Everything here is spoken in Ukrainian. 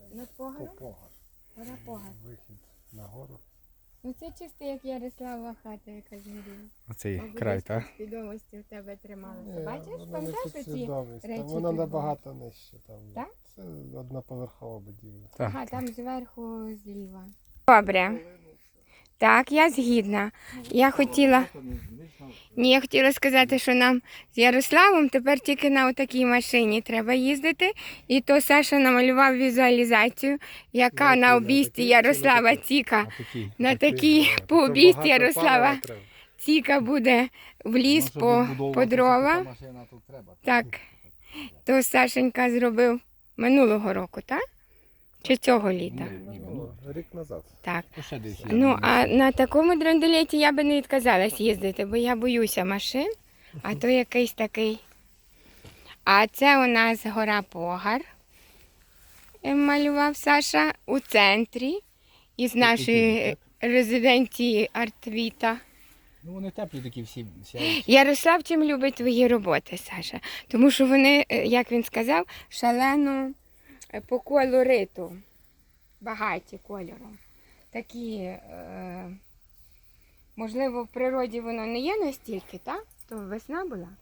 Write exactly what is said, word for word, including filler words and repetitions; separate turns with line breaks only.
Над
То
Погаром?
Погар.
Гора Погар.
Вихід на гору.
Ну це чисто як Ярослава хата, яка згоріла.
Оцей
Мабуть,
край,
десь
так?
в підсвідомості в тебе трималося.
Ні,
Бачиш,
вона не
пам'ятаєш оці
підсвідомість. Там
речі?
вона
тут були?
набагато нижче. Там.
Так?
Це одноповерхова будівля.
Так,
Ага,
так.
там зверху зліва. Добре. Так, я згідна. Я хотіла... Ні, я хотіла сказати, що нам з Ярославом тепер тільки на отакій машині треба їздити. І то Саша намалював візуалізацію, яка
Ну,
на
на
обійсті
такій чи
Ярослава
на такій?
Ціка.
А такий.
На
Такий,
такій
да.
по
То
обійсті
багато
Ярослава
палива треба.
Ціка буде в ліс по, по дрова. Так, то Сашенька зробив минулого року, так? Чи цього літа?
Ну, Рік назад.
Так.
То ще десь є.
Ну, а на такому драндулеті я би не відказалась їздити, бо я боюся машин, а то якийсь такий. А це у нас гора Погар, е, малював Саша у центрі із нашої резиденції Артвіта.
Ну вони теплі такі всі. всі.
Ярослав чим любить твої роботи, Саша? Тому що вони, е, як він сказав, шалено е, по колориту, багаті кольором. Такі, е, можливо, в природі воно не є настільки, так? То весна була.